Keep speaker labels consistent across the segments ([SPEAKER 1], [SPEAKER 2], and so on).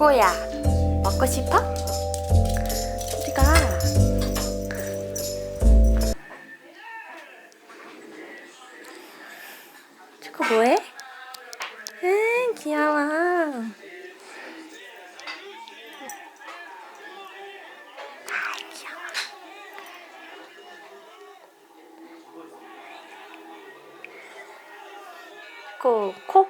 [SPEAKER 1] 초코야, 먹고 싶어? 어디가? 초코 뭐해? 응, 귀여워. 귀여워. 초코, 코?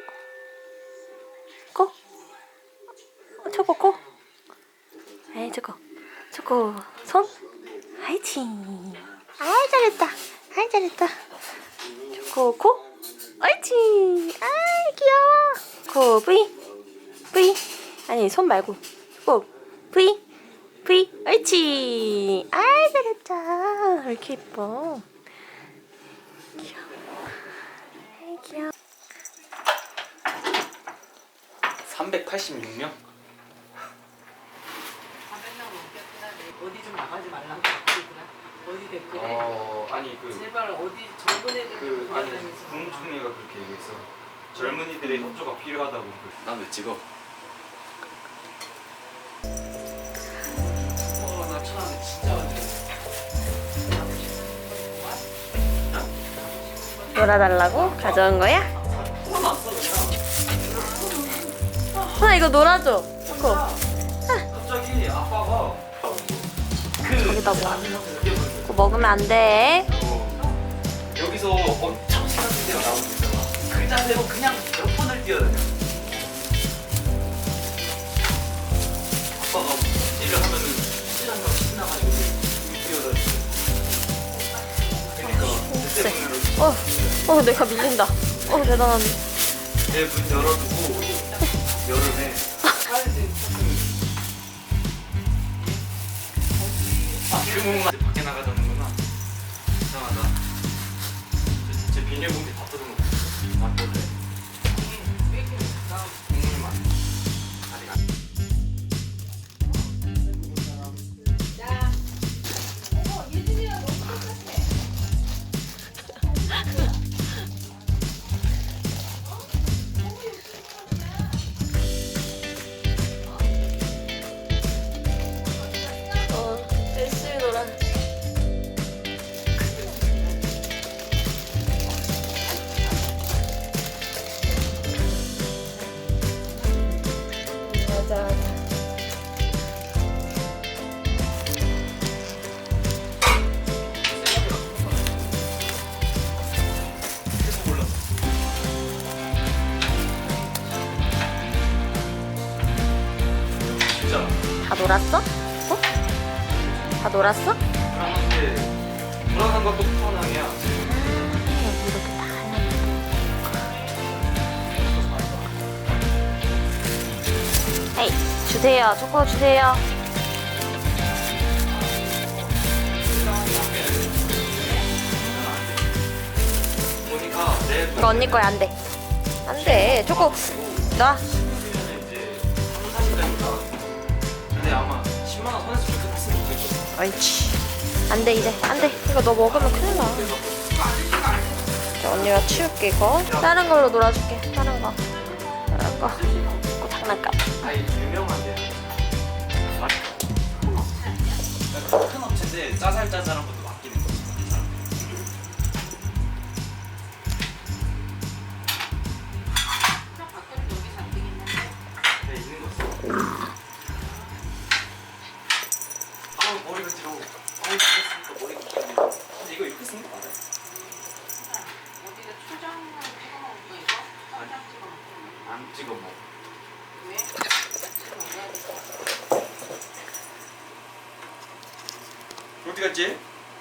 [SPEAKER 1] 코? 초코, 코? 에이, 초코, 손? 아이치. 아이, 잘했다. 아이, 잘했다. 초코, 코? 아이치. 아이, 귀여워. 코, V? V? 아니, 손 말고. 코, V? V? 아이치. 아이, 잘했다. 왜 이렇게 예뻐. 귀여워. 아이, 귀여워.
[SPEAKER 2] 386명?
[SPEAKER 3] 어디 좀 나가지 말라고 댓글이구나. 어디 댓글에
[SPEAKER 2] 아니
[SPEAKER 3] 제발 어디 젊은 애들
[SPEAKER 2] 아니 국무총리가 그렇게 얘기했어. 젊은이들의 협조가 필요하다고. 난 왜 찍어? 나 천안에 진짜 왔네.
[SPEAKER 1] 놀아달라고 가져온 거야? 하나 이거 놀아줘. 초코.
[SPEAKER 2] 갑자기 아빠가
[SPEAKER 1] 저기다 뭐? 그거 먹으면 안 돼.
[SPEAKER 2] 여기서 엄청 신나는 데가 나오고 있잖아. 그 자세로 그냥 몇 번을 뛰어다녀. 아빠가 찌를 하면은 찌라면 신나가지고 뛰어다니고. 그러니까 그때
[SPEAKER 1] 내가 밀린다. 대단하네.
[SPEAKER 2] 내 문 열어두고 여름에 일본만 밖에 나가자는구나. 이상하다. 제 비닐봉지 다 뜯어놓고 맛볼래. 국물만 아직 안.
[SPEAKER 1] 열심히 놀아. 맞아.
[SPEAKER 2] 계속 올랐어. 진짜.
[SPEAKER 1] 다 놀았어? 다 놀았어?
[SPEAKER 2] 불안한 것도 불안함이야.
[SPEAKER 1] 여기 이렇게 다 해야 돼. 에이, 주세요. 초코 주세요.
[SPEAKER 2] 보니까 내
[SPEAKER 1] 이거 언니 거야. 안 돼. 안 돼. 초코 놔.
[SPEAKER 2] 친구들은 이제 3, 40대니까. 근데 아마 10만 원 손에서 좀 끝났으면 좋겠어.
[SPEAKER 1] 옳지. 안 돼, 이제. 안 돼. 이거 너 먹으면 큰일 나. 자, 언니가 치울게, 이거. 다른 걸로 놀아줄게. 다른 거. 다른 거. 이거 장난감.
[SPEAKER 2] 아니 유명한데. 큰 업체인데 짜잘짜잘한 것도 맡기는 거지. 네, 있는 거 있어. 머리가 들어. 이랬으니까 머리가 들어. 근데 이거 이렇게 쓰는 거 맞아?
[SPEAKER 3] 어디다 초장을 찍어 먹는 거 이거? 초장 찍어 먹는 거?
[SPEAKER 2] 안 찍어 먹어.
[SPEAKER 3] 왜? 찍어 먹어야 돼.
[SPEAKER 2] 어디 갔지?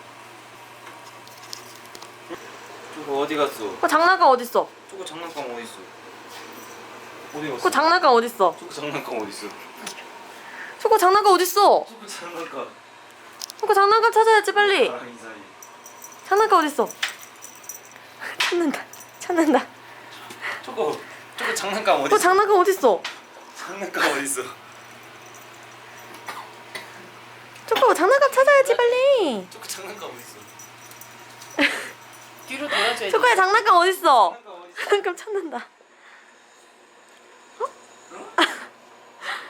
[SPEAKER 2] 저거 어디 갔어?
[SPEAKER 1] 그거 장난감 어딨어?
[SPEAKER 2] 저거 장난감 어디 있어? 어디 갔어?
[SPEAKER 1] 그거 장난감 어딨어?
[SPEAKER 2] 저거 장난감 어디 있어?
[SPEAKER 1] 저거 장난감 어딨어?
[SPEAKER 2] 저거 장난감.
[SPEAKER 1] 그거 장난감 찾아야지, 빨리.
[SPEAKER 2] 나랑 이 사이.
[SPEAKER 1] 장난감 어딨어? 찾는다.
[SPEAKER 2] 저거 장난감 어디
[SPEAKER 1] 그거
[SPEAKER 2] 있어?
[SPEAKER 1] 장난감 어딨어?
[SPEAKER 2] 장난감 어디 있어?
[SPEAKER 1] 저거 장난감 찾아야지, 빨리.
[SPEAKER 2] 저거 장난감 어디 있어?
[SPEAKER 3] 뒤로 돌아줘야지.
[SPEAKER 1] 초코야, 장난감 어딨어?
[SPEAKER 2] 장난감 어디 있어?
[SPEAKER 1] 장난감 찾는다.